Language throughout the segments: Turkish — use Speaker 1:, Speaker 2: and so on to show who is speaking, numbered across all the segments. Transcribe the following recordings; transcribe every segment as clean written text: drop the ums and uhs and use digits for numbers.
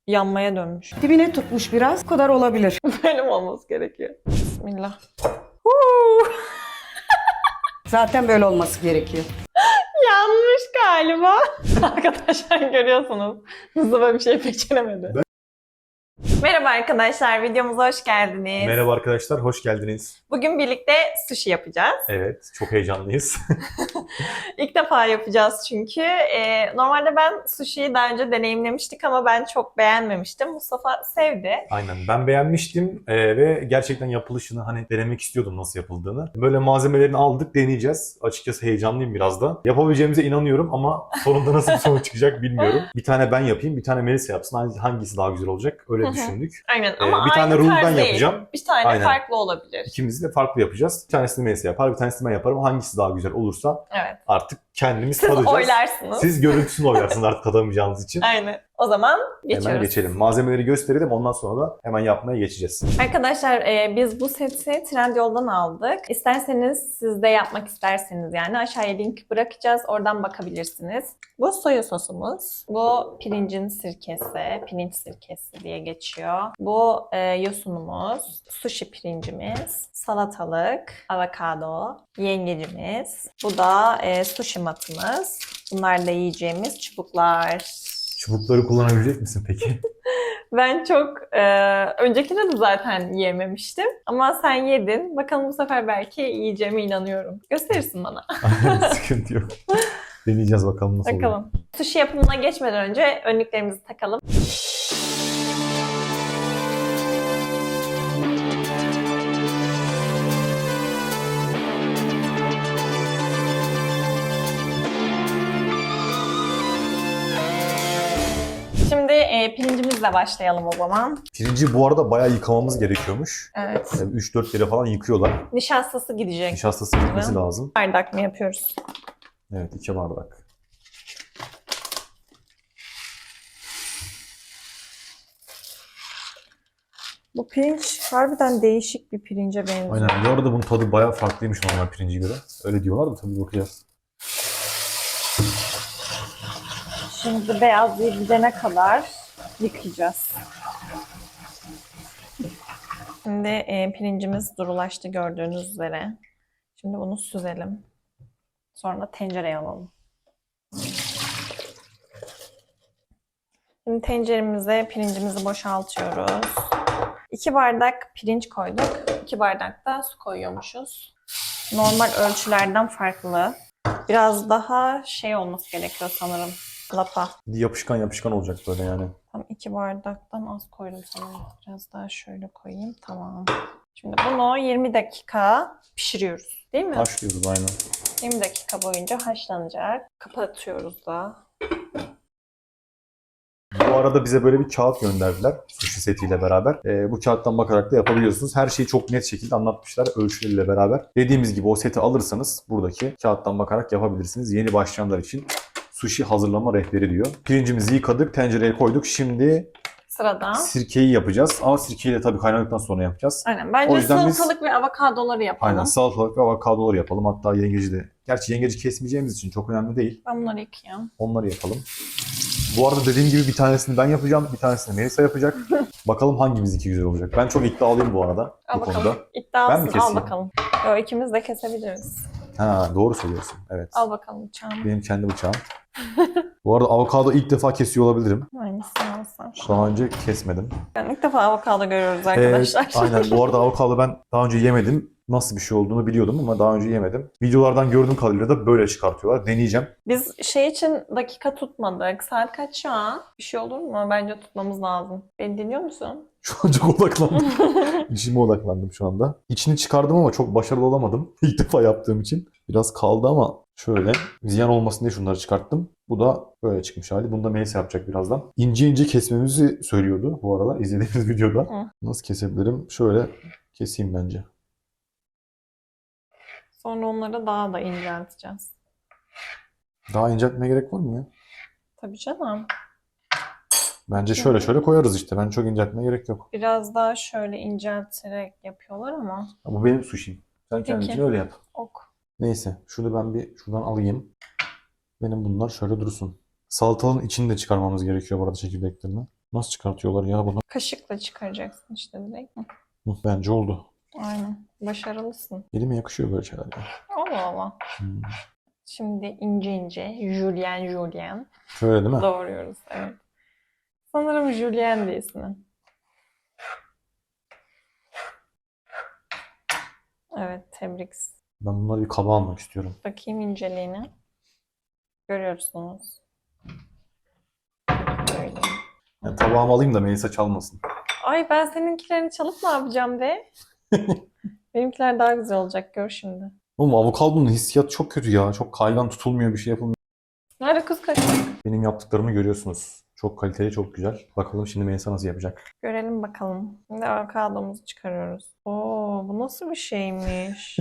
Speaker 1: yanmaya dönmüş.
Speaker 2: Dibine tutmuş biraz. Bu kadar olabilir.
Speaker 1: Böyle mi olması gerekiyor? Bismillah.
Speaker 2: Zaten böyle olması gerekiyor.
Speaker 1: Yanmış galiba. Arkadaşlar görüyorsunuz. Mustafa bir şey beceremedi. Merhaba arkadaşlar, videomuza hoş geldiniz.
Speaker 3: Merhaba arkadaşlar, hoş geldiniz.
Speaker 1: Bugün birlikte sushi yapacağız.
Speaker 3: Evet, çok heyecanlıyız.
Speaker 1: İlk defa yapacağız çünkü. Normalde ben sushi'yi daha önce deneyimlemiştik ama ben çok beğenmemiştim. Mustafa sevdi.
Speaker 3: Aynen, ben beğenmiştim ve gerçekten yapılışını hani denemek istiyordum nasıl yapıldığını. Böyle malzemelerini aldık, deneyeceğiz. Açıkçası heyecanlıyım biraz da. Yapabileceğimize inanıyorum ama sonunda nasıl bir sonuç çıkacak bilmiyorum. Bir tane ben yapayım, bir tane Melisa yapsın. Hangisi daha güzel olacak? Öyle düşündük.
Speaker 1: Aynen ama
Speaker 3: Bir tane
Speaker 1: aynı
Speaker 3: rule'dan
Speaker 1: tarz değil.
Speaker 3: yapacağım.
Speaker 1: Bir tane
Speaker 3: Aynen.
Speaker 1: farklı olabilir.
Speaker 3: İkimiz de farklı yapacağız. Bir tanesini Melisa yapar, bir tanesini ben yaparım. Hangisi daha güzel olursa
Speaker 1: Evet.
Speaker 3: artık kendimiz
Speaker 1: Siz
Speaker 3: tadacağız.
Speaker 1: oylarsınız.
Speaker 3: Siz görüntüsünü oylarsınız artık tadamayacağınız için.
Speaker 1: Aynen. O zaman geçiyoruz.
Speaker 3: Hemen geçelim. Malzemeleri gösterelim, ondan sonra da hemen yapmaya geçeceğiz.
Speaker 1: Arkadaşlar biz bu seti Trendyol'dan aldık. İsterseniz siz de yapmak isterseniz yani aşağıya link bırakacağız. Oradan bakabilirsiniz. Bu soya sosumuz. Bu pirincin sirkesi. Pirinç sirkesi diye geçiyor. Bu yosunumuz. Sushi pirincimiz. Salatalık. Avokado. Yengecimiz. Bu da sushi matımız. Bunlar da yiyeceğimiz çubuklar.
Speaker 3: Çubukları kullanabilecek misin peki?
Speaker 1: Ben çok öncekinde de zaten yememiştim. Ama sen yedin. Bakalım bu sefer belki yiyeceğime inanıyorum. Gösterirsin bana.
Speaker 3: Sıkıntı yok. Deneyeceğiz bakalım nasıl oluyor.
Speaker 1: Bakalım. Sushi yapımına geçmeden önce önlüklerimizi takalım. Şimdi pirincimizle başlayalım o zaman.
Speaker 3: Pirinci bu arada bayağı yıkamamız gerekiyormuş.
Speaker 1: Evet.
Speaker 3: Yani 3-4 kere falan yıkıyorlar.
Speaker 1: Nişastası gidecek.
Speaker 3: Nişastası gitmesi lazım.
Speaker 1: Bardak mı yapıyoruz?
Speaker 3: Evet, 2 bardak.
Speaker 1: Bu pirinç harbiden değişik bir pirince benziyor.
Speaker 3: Aynen. Bu arada bunun tadı bayağı farklıymış normal pirinci göre. Öyle diyorlar da tabii bakacağız.
Speaker 1: Şimdi beyazlığı gidene kadar yıkayacağız. Şimdi pirincimiz durulaştı gördüğünüz üzere. Şimdi bunu süzelim. Sonra tencereye alalım. Şimdi tenceremize pirincimizi boşaltıyoruz. 2 bardak pirinç koyduk. 2 bardak da su koyuyormuşuz. Normal ölçülerden farklı. Biraz daha şey olması gerekiyor sanırım. Lapa.
Speaker 3: Yapışkan yapışkan olacak böyle yani.
Speaker 1: Tam 2 bardaktan az koydum sanırım. Biraz daha şöyle koyayım. Tamam. Şimdi bunu 20 dakika pişiriyoruz. Değil mi?
Speaker 3: Haşlıyoruz aynen.
Speaker 1: 20 dakika boyunca haşlanacak. Kapatıyoruz da.
Speaker 3: Bu arada bize böyle bir kağıt gönderdiler sushi setiyle beraber. Bu kağıttan bakarak da yapabiliyorsunuz. Her şeyi çok net şekilde anlatmışlar ölçüleriyle beraber. Dediğimiz gibi o seti alırsanız buradaki kağıttan bakarak yapabilirsiniz. Yeni başlayanlar için sushi hazırlama rehberi diyor. Pirincimizi yıkadık, tencereye koyduk. Şimdi
Speaker 1: Sırada.
Speaker 3: sirkeyi yapacağız. Ama sirkeyi de tabii kaynadıktan sonra yapacağız.
Speaker 1: Aynen. Bence
Speaker 3: O yüzden biz-
Speaker 1: salatalık ve avokadoları yapalım.
Speaker 3: Aynen salatalık ve avokadoları yapalım. Hatta yengeci de. Gerçi yengeci kesmeyeceğimiz için çok önemli değil.
Speaker 1: Ben bunları yıkayayım.
Speaker 3: Onları yapalım. Bu arada dediğim gibi bir tanesini ben yapacağım, bir tanesini Melisa yapacak. Bakalım hangimizinki güzel olacak. Ben çok iddialıyım bu arada
Speaker 1: Al
Speaker 3: bu
Speaker 1: bakalım.
Speaker 3: konuda. Ben mi
Speaker 1: İddialısın. Al
Speaker 3: keseyim?
Speaker 1: bakalım. Yo, ikimiz de kesebiliriz.
Speaker 3: Ha, doğru söylüyorsun. Evet.
Speaker 1: Al bakalım bıçağını.
Speaker 3: Benim kendi bıçağım. Bu arada avokado ilk defa kesiyor olabilirim.
Speaker 1: Hangisini alsam?
Speaker 3: Daha önce kesmedim.
Speaker 1: Yani ilk defa avokado görüyoruz arkadaşlar.
Speaker 3: Aynen. Bu arada avokado ben daha önce yemedim. Nasıl bir şey olduğunu biliyordum ama daha önce yemedim. Videolardan gördüğüm kadarıyla da böyle çıkartıyorlar. Deneyeceğim.
Speaker 1: Biz şey için dakika tutmadık. Saat kaç şu an? Bir şey olur mu? Bence tutmamız lazım. Beni dinliyor musun?
Speaker 3: Şu an çok odaklandım. İşime odaklandım şu anda. İçini çıkardım ama çok başarılı olamadım. İlk defa yaptığım için. Biraz kaldı ama şöyle ziyan olmasın diye şunları çıkarttım. Bu da böyle çıkmış hali. Bunu da Melisa yapacak birazdan. İnce ince kesmemizi söylüyordu bu arada izlediğimiz videoda.
Speaker 1: Hı.
Speaker 3: Nasıl kesebilirim? Şöyle keseyim bence.
Speaker 1: Sonra onları daha da incelteceğiz.
Speaker 3: Daha inceltmeye gerek var mı ya?
Speaker 1: Tabii canım.
Speaker 3: Bence şöyle şöyle koyarız işte. Ben çok inceltmeye gerek yok.
Speaker 1: Biraz daha şöyle incelterek yapıyorlar ama.
Speaker 3: Bu benim sushi'm. Sen kendin
Speaker 1: Peki.
Speaker 3: için öyle yap.
Speaker 1: Ok.
Speaker 3: Neyse. Şunu ben bir şuradan alayım. Benim bunlar şöyle dursun. Salatalığın içini de çıkarmamız gerekiyor bu arada çekirdeklerini. Nasıl çıkartıyorlar ya bunu?
Speaker 1: Kaşıkla çıkaracaksın işte direkt.
Speaker 3: Bence oldu.
Speaker 1: Aynen. Başarılısın.
Speaker 3: Elime yakışıyor böyle şeyler ya.
Speaker 1: Allah Allah. Şimdi ince ince Julien
Speaker 3: Şöyle değil mi?
Speaker 1: doğruyoruz. Evet. Sanırım Julien de ismi. Evet, tebrik.
Speaker 3: Ben bunları bir kaba almak istiyorum.
Speaker 1: Bakayım inceliğine. Görüyorsunuz. Böyle.
Speaker 3: Yani tabağımı alayım da Melisa çalmasın.
Speaker 1: Ay ben seninkilerini çalıp ne yapacağım be? Benimkiler daha güzel olacak, gör şimdi.
Speaker 3: Oğlum avokadonun hissiyatı çok kötü ya. Çok kaygan tutulmuyor, bir şey yapılmıyor.
Speaker 1: Nerede kız kaşık?
Speaker 3: Benim yaptıklarımı görüyorsunuz. Çok kaliteli, çok güzel. Bakalım şimdi Melisa nasıl yapacak.
Speaker 1: Görelim bakalım. Şimdi avokadomuzu çıkarıyoruz. Oo, bu nasıl bir şeymiş?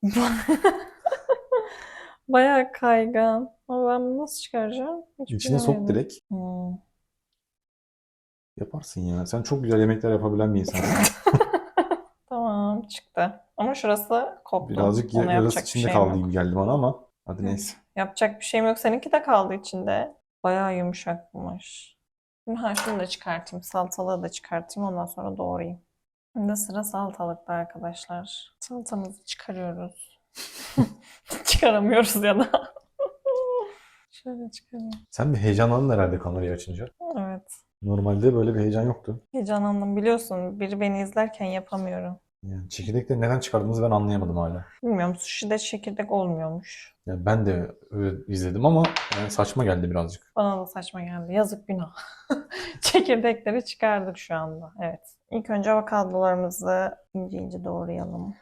Speaker 1: Bayağı kaygan. Ama ben bunu nasıl çıkaracağım? Hiç
Speaker 3: İçine sok
Speaker 1: bilemedim.
Speaker 3: direkt.
Speaker 1: Hmm.
Speaker 3: Yaparsın ya. Sen çok güzel yemekler yapabilen bir insansın.
Speaker 1: Tamam, çıktı. Ama şurası koptu.
Speaker 3: Birazcık
Speaker 1: Ona
Speaker 3: yarısı
Speaker 1: yapacak bir
Speaker 3: içinde
Speaker 1: şeyim
Speaker 3: kaldı
Speaker 1: yok.
Speaker 3: gibi geldi bana ama hadi neyse.
Speaker 1: Yapacak bir şeyim yok. Seninki de kaldı içinde. Bayağı yumuşakmış. Şimdi şunu da çıkartayım. Salatalığı da çıkartayım. Ondan sonra doğrayayım. Şimdi sıra salatalıkta arkadaşlar. Salatamızı çıkarıyoruz. Çıkaramıyoruz ya da. Şöyle çıkarayım.
Speaker 3: Sen bir heyecanlandın herhalde kamerayı açınca.
Speaker 1: Evet.
Speaker 3: Normalde böyle bir heyecan yoktu.
Speaker 1: Heyecanlandım. Biliyorsun biri beni izlerken yapamıyorum.
Speaker 3: Yani çekirdekleri neden çıkardığınızı ben anlayamadım hala.
Speaker 1: Bilmiyorum. Sushi'de çekirdek olmuyormuş.
Speaker 3: Yani ben de öyle izledim ama yani saçma geldi birazcık.
Speaker 1: Bana da saçma geldi. Yazık, günah. Çekirdekleri çıkardık şu anda. Evet. İlk önce avokadolarımızı ince ince doğrayalım.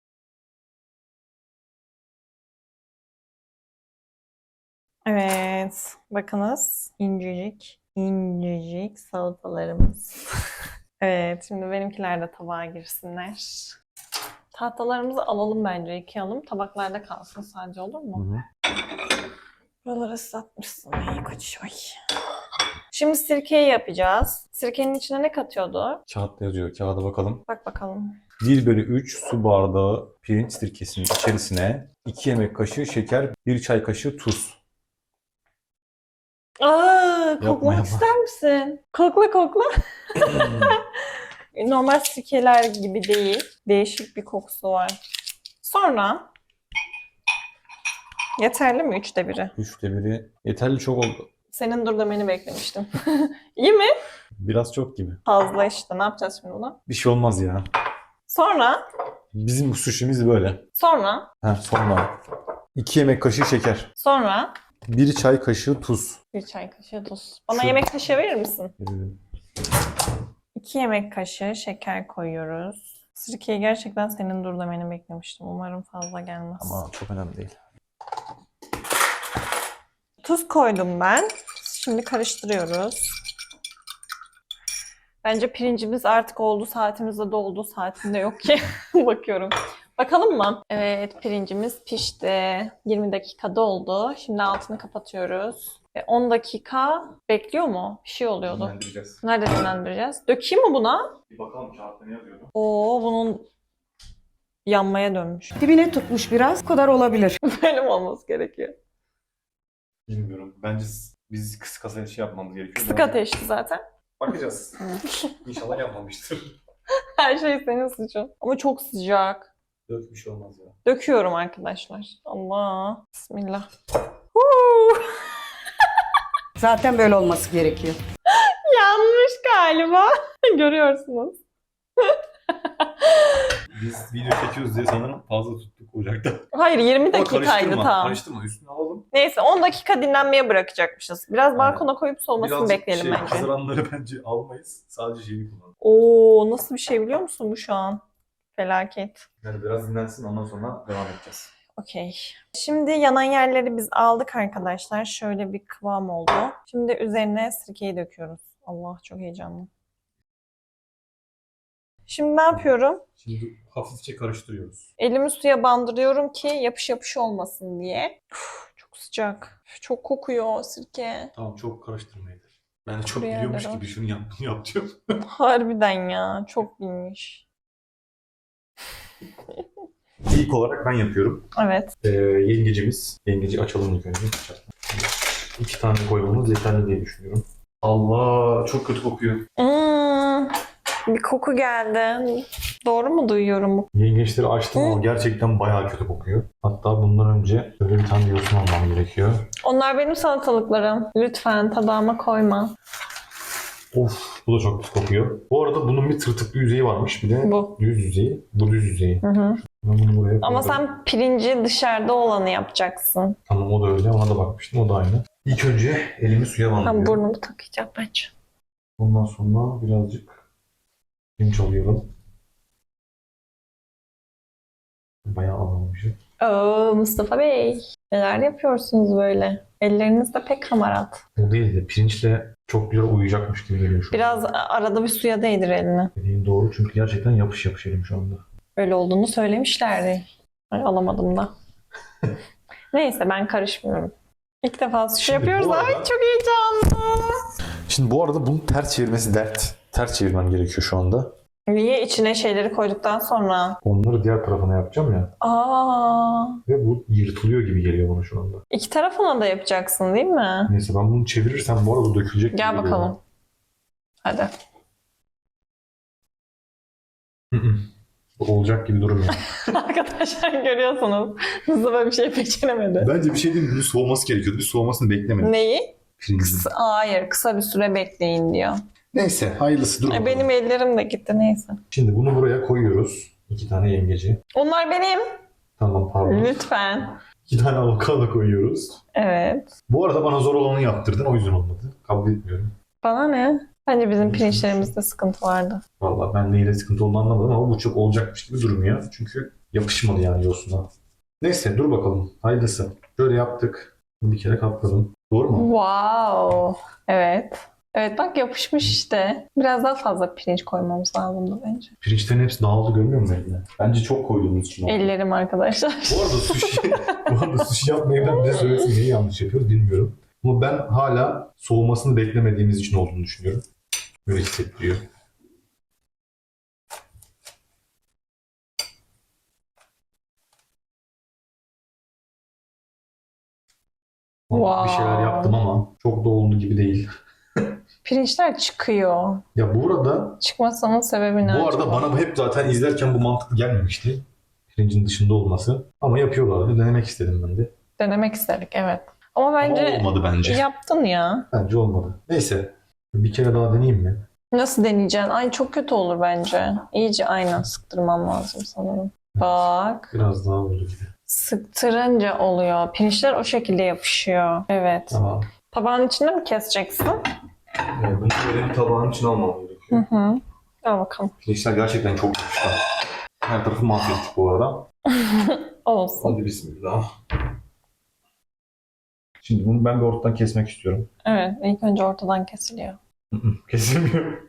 Speaker 1: Evet. Bakınız. İncecik, incecik salatalarımız. Evet. Şimdi benimkiler de tabağa girsinler. Tahtalarımızı alalım bence. Yıkayalım. Tabaklarda kalsın sadece, olur mu?
Speaker 3: Hı hı.
Speaker 1: Buraları ıslatmışsın. Ay koç, ay. Şimdi sirkeyi yapacağız. Sirkenin içine ne katıyordu?
Speaker 3: Kağıtta yazıyor. Kağıda bakalım.
Speaker 1: Bak bakalım.
Speaker 3: 1/3 su bardağı pirinç sirkesinin içerisine 2 yemek kaşığı şeker, 1 çay kaşığı tuz.
Speaker 1: Aa, koklamak
Speaker 3: yapma.
Speaker 1: ister misin? Kokla kokla. Normal sirkeler gibi değil. Değişik bir kokusu var. Sonra yeterli mi 1/3?
Speaker 3: 1/3 yeterli, çok oldu.
Speaker 1: Senin dur demeni beklemiştim. İyi mi?
Speaker 3: Biraz çok gibi.
Speaker 1: Fazla işte. Ne yapacağız şimdi buna?
Speaker 3: Bir şey olmaz ya.
Speaker 1: Sonra
Speaker 3: Bizim sushi'miz böyle.
Speaker 1: sonra
Speaker 3: Sonra 2 yemek kaşığı şeker,
Speaker 1: sonra
Speaker 3: 1 çay kaşığı tuz.
Speaker 1: 1 çay kaşığı tuz. Bana
Speaker 3: Şu-
Speaker 1: yemek kaşığı verir misin?
Speaker 3: Ee,
Speaker 1: 2 yemek kaşığı şeker koyuyoruz. Sirkeyi gerçekten senin dur demeni beklemiştim. Umarım fazla gelmez.
Speaker 3: Ama çok önemli değil.
Speaker 1: Tuz koydum ben. Şimdi karıştırıyoruz. Bence pirincimiz artık oldu. Saatimiz de doldu. Saatinde yok ki. Bakıyorum. Bakalım mı? Evet, pirincimiz pişti. 20 dakika doldu. Şimdi altını kapatıyoruz. 10 dakika bekliyor mu? Bir şey oluyordu.
Speaker 3: Dinlendireceğiz.
Speaker 1: Nerede dinlendireceğiz? Dökeyim mi buna?
Speaker 3: Bir bakalım kağıtta ne yazıyordu?
Speaker 1: Oo, bunun yanmaya dönmüş.
Speaker 2: Dibine tutmuş biraz. Bu kadar olabilir.
Speaker 1: Böyle mi olması gerekiyor?
Speaker 3: Bilmiyorum. Bence biz kısık ateşi yapmamız gerekiyor.
Speaker 1: Kısık ateşti zaten.
Speaker 3: Bakacağız. İnşallah yapmamıştır.
Speaker 1: Her şey senin suçun. Ama çok sıcak.
Speaker 3: Yok, bir şey olmaz ya.
Speaker 1: Döküyorum arkadaşlar. Allah. Bismillah. Huu!
Speaker 2: Zaten böyle olması gerekiyor.
Speaker 1: Yanmış galiba. Görüyorsunuz.
Speaker 3: Biz video çekiyoruz diye sanırım fazla tuttuk ocakta.
Speaker 1: Hayır, 20
Speaker 3: Ama
Speaker 1: dakikaydı tam.
Speaker 3: Karıştırma, üstüne alalım.
Speaker 1: Neyse, 10 dakika dinlenmeye bırakacakmışız. Biraz
Speaker 3: Aynen.
Speaker 1: balkona koyup soğumasını bekleyelim bence.
Speaker 3: Haziranları bence almayız. Sadece şeyi kullanalım.
Speaker 1: Oo, nasıl bir şey biliyor musun bu şu an? Felaket.
Speaker 3: Yani biraz dinlensin, ondan sonra devam edeceğiz.
Speaker 1: Okey. Şimdi yanan yerleri biz aldık arkadaşlar. Şöyle bir kıvam oldu. Şimdi üzerine sirkeyi döküyoruz. Allah, çok heyecanlı. Şimdi ne yapıyorum?
Speaker 3: Şimdi hafifçe karıştırıyoruz.
Speaker 1: Elimi suya bandırıyorum ki yapış yapış olmasın diye. Uf, çok sıcak. Çok kokuyor sirke.
Speaker 3: Tamam, çok karıştırmaydı. Ben de çok
Speaker 1: Buraya
Speaker 3: biliyormuş
Speaker 1: kadar.
Speaker 3: gibi şunu yap, bunu yap diyorum.
Speaker 1: Harbiden ya. Çok bilmiş.
Speaker 3: İlk olarak ben yapıyorum.
Speaker 1: Evet.
Speaker 3: Yengeci açalım ilk önce. 2 tane koymamız yeterli diye düşünüyorum. Allah çok kötü kokuyor.
Speaker 1: Bir koku geldi. Doğru mu duyuyorum bu?
Speaker 3: Yengeçleri açtım ama gerçekten bayağı kötü kokuyor. Hatta bundan önce böyle bir tane yosun almam gerekiyor.
Speaker 1: Onlar benim salatalıklarım. Lütfen tabağıma koyma.
Speaker 3: Of, bu da çok pis kokuyor. Bu arada bunun bir tırtıklı yüzeyi varmış. Bir de
Speaker 1: Bu.
Speaker 3: düz yüzeyi. Bu düz yüzeyi.
Speaker 1: Hı hı.
Speaker 3: Ben bunu buraya
Speaker 1: Ama
Speaker 3: koydum.
Speaker 1: sen pirinci dışarıda olanı yapacaksın.
Speaker 3: Tamam, o da öyle. Ona da bakmıştım. O da aynı. İlk önce elimi suya
Speaker 1: Ben
Speaker 3: bandırıyorum.
Speaker 1: burnumu takacağım bence.
Speaker 3: Ondan sonra birazcık pirinç alıyorum. Bayağı alamamışım.
Speaker 1: Oo, Mustafa Bey. Neler yapıyorsunuz böyle? Elleriniz de pek hamarat.
Speaker 3: O değil de pirinçle çok güzel uyuyacakmış gibi geliyor şu an.
Speaker 1: Biraz arada bir suya değdir elini.
Speaker 3: Dediğin doğru, çünkü gerçekten yapış yapış elim şu anda.
Speaker 1: Öyle olduğunu söylemişlerdi. Ay, alamadım da. Neyse ben karışmıyorum. İlk defa sushi
Speaker 3: Şimdi
Speaker 1: yapıyoruz.
Speaker 3: bu arada-
Speaker 1: Ay çok heyecanlı.
Speaker 3: Şimdi bu arada bunu ters çevirmesi dert. Ters çevirmem gerekiyor şu anda.
Speaker 1: Niye içine şeyleri koyduktan sonra?
Speaker 3: Onları diğer tarafına yapacağım ya.
Speaker 1: Aa,
Speaker 3: Ve bu yırtılıyor gibi geliyor bana şu anda.
Speaker 1: iki tarafına da yapacaksın değil mi?
Speaker 3: Neyse, ben bunu çevirirsem bu arada dökülecek gibi
Speaker 1: Gel
Speaker 3: geliyor
Speaker 1: bakalım. Hadi.
Speaker 3: bana. Hı hı. Bu olacak gibi durmuyor.
Speaker 1: Arkadaşlar görüyorsunuz. Mustafa bir şey beceremedi.
Speaker 3: Bence bir şey değil mi? Bunun soğuması gerekiyordu. Bir soğumasını beklemedik.
Speaker 1: Neyi?
Speaker 3: Pirincin.
Speaker 1: Hayır, kısa bir süre bekleyin diyor.
Speaker 3: Neyse, hayırlısı, dur bakalım.
Speaker 1: Benim ellerim de gitti neyse.
Speaker 3: Şimdi bunu buraya koyuyoruz. 2 tane yengeci.
Speaker 1: Onlar benim.
Speaker 3: Tamam, pardon.
Speaker 1: Lütfen.
Speaker 3: 2 tane avokado koyuyoruz.
Speaker 1: Evet.
Speaker 3: Bu arada bana zor olanı yaptırdın, o yüzden olmadı. Kabul etmiyorum.
Speaker 1: Bana ne? Bence bizim pirinçlerimizde sıkıntı vardı.
Speaker 3: Vallahi ben neyle sıkıntı olduğunu anlamadım ama bu çok olacakmış gibi durmuyor. Çünkü yapışmadı yani yosuna. Neyse, dur bakalım. Hayırlısı. Şöyle yaptık. Bir kere katladım. Doğru mu?
Speaker 1: Wow. Evet. Evet bak yapışmış işte. Biraz daha fazla pirinç koymamız lazımdı bence.
Speaker 3: Pirinçlerin hepsi dağıldı, görmüyor musun eline? Bence çok koyduğumuz için oldu.
Speaker 1: Ellerim arkadaşlar.
Speaker 3: Bu arada sushi yapmayı da bize söylesin, neyi yanlış yapıyoruz bilmiyorum. Ama ben hala soğumasını beklemediğimiz için olduğunu düşünüyorum. Böyle hissettiriyor. Bir şeyler
Speaker 1: Wow.
Speaker 3: yaptım ama çok da oldu gibi değil.
Speaker 1: Pirinçler çıkıyor.
Speaker 3: Ya bu arada
Speaker 1: Çıkmasının sebebi ne
Speaker 3: Bu arada
Speaker 1: acaba?
Speaker 3: bana bu hep zaten izlerken bu mantıklı gelmemişti. Pirincin dışında olması. Ama yapıyorlardı. Denemek istedim ben de.
Speaker 1: Denemek istedik evet. Ama
Speaker 3: Ama
Speaker 1: bence
Speaker 3: olmadı bence.
Speaker 1: yaptın ya.
Speaker 3: Bence olmadı. Neyse. Bir kere daha deneyeyim mi?
Speaker 1: Nasıl deneyeceksin? Ay çok kötü olur bence. İyice aynen sıktırmam lazım sanırım. Bak.
Speaker 3: Biraz daha oldu gibi.
Speaker 1: Sıktırınca oluyor. Pirinçler o şekilde yapışıyor. Evet.
Speaker 3: Tamam.
Speaker 1: Tabağın içinde mi keseceksin?
Speaker 3: Bunu böyle bir tabağın içine almam
Speaker 1: Hı
Speaker 3: gerekiyor.
Speaker 1: hı. Al bakalım.
Speaker 3: Pirinçler gerçekten çok yapışkan. Her tarafı mahvettik bu arada.
Speaker 1: Olsun.
Speaker 3: Hadi bismillah. Şimdi bunu ben bir ortadan kesmek istiyorum.
Speaker 1: Evet. İlk önce ortadan kesiliyor.
Speaker 3: Kesilmiyor.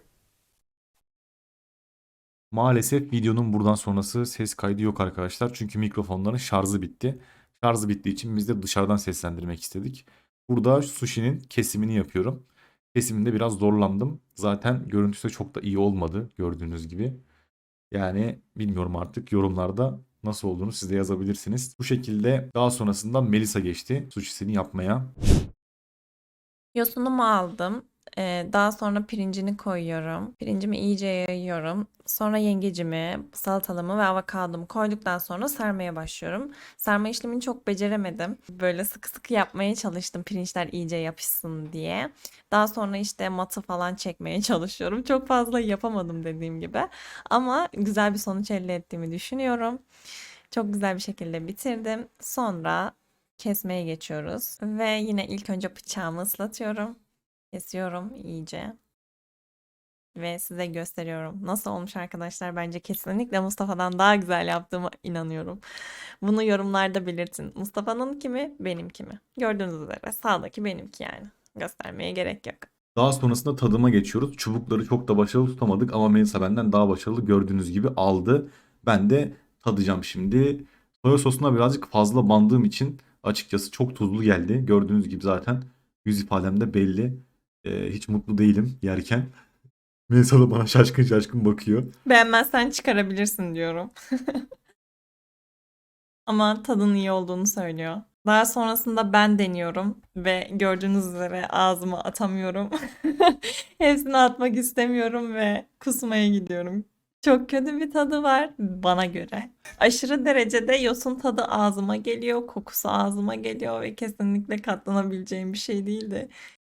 Speaker 3: Maalesef videonun buradan sonrası ses kaydı yok arkadaşlar. Çünkü mikrofonların şarjı bitti. Şarjı bittiği için biz de dışarıdan seslendirmek istedik. Burada sushi'nin kesimini yapıyorum. Kesiminde biraz zorlandım. Zaten görüntüsü de çok da iyi olmadı gördüğünüz gibi. Yani bilmiyorum, artık yorumlarda nasıl olduğunu siz de yazabilirsiniz. Bu şekilde daha sonrasında Melisa geçti sushi'sini yapmaya.
Speaker 1: Yosunumu aldım. Daha sonra pirincini koyuyorum. Pirincimi iyice yayıyorum. Sonra yengecimi, salatalımı ve avokadomu koyduktan sonra sarmaya başlıyorum. Sarma işlemini çok beceremedim. Böyle sıkı sıkı yapmaya çalıştım pirinçler iyice yapışsın diye. Daha sonra işte matı falan çekmeye çalışıyorum. Çok fazla yapamadım dediğim gibi. Ama güzel bir sonuç elde ettiğimi düşünüyorum. Çok güzel bir şekilde bitirdim. Sonra kesmeye geçiyoruz. Ve yine ilk önce bıçağımı ıslatıyorum. Kesiyorum iyice. Ve size gösteriyorum. Nasıl olmuş arkadaşlar? Bence kesinlikle Mustafa'dan daha güzel yaptığıma inanıyorum. Bunu yorumlarda belirtin. Mustafa'nın kimi, benimki mi? Gördüğünüz üzere sağdaki benimki yani. Göstermeye gerek yok.
Speaker 3: Daha sonrasında tadıma geçiyoruz. Çubukları çok da başarılı tutamadık ama Melisa benden daha başarılı, gördüğünüz gibi aldı. Ben de tadacağım şimdi. Soya sosuna birazcık fazla bandığım için açıkçası çok tuzlu geldi. Gördüğünüz gibi zaten yüz ifademde belli. Hiç mutlu değilim yerken. Melisa da bana şaşkın şaşkın bakıyor.
Speaker 1: Beğenmezsen çıkarabilirsin diyorum. Ama tadın iyi olduğunu söylüyor. Daha sonrasında ben deniyorum ve gördüğünüz üzere ağzıma atamıyorum. Hepsini atmak istemiyorum ve kusmaya gidiyorum. Çok kötü bir tadı var bana göre. Aşırı derecede yosun tadı ağzıma geliyor, kokusu ağzıma geliyor ve kesinlikle katlanabileceğim bir şey değildi.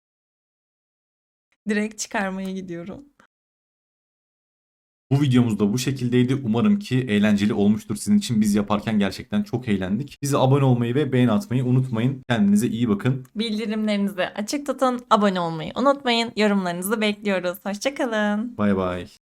Speaker 1: Direkt çıkarmaya gidiyorum.
Speaker 3: Bu videomuz da bu şekildeydi. Umarım ki eğlenceli olmuştur sizin için. Biz yaparken gerçekten çok eğlendik. Bize abone olmayı ve beğeni atmayı unutmayın. Kendinize iyi bakın.
Speaker 1: Bildirimlerinizi açık tutun, abone olmayı unutmayın. Yorumlarınızı bekliyoruz. Hoşça kalın.
Speaker 3: Bay bay.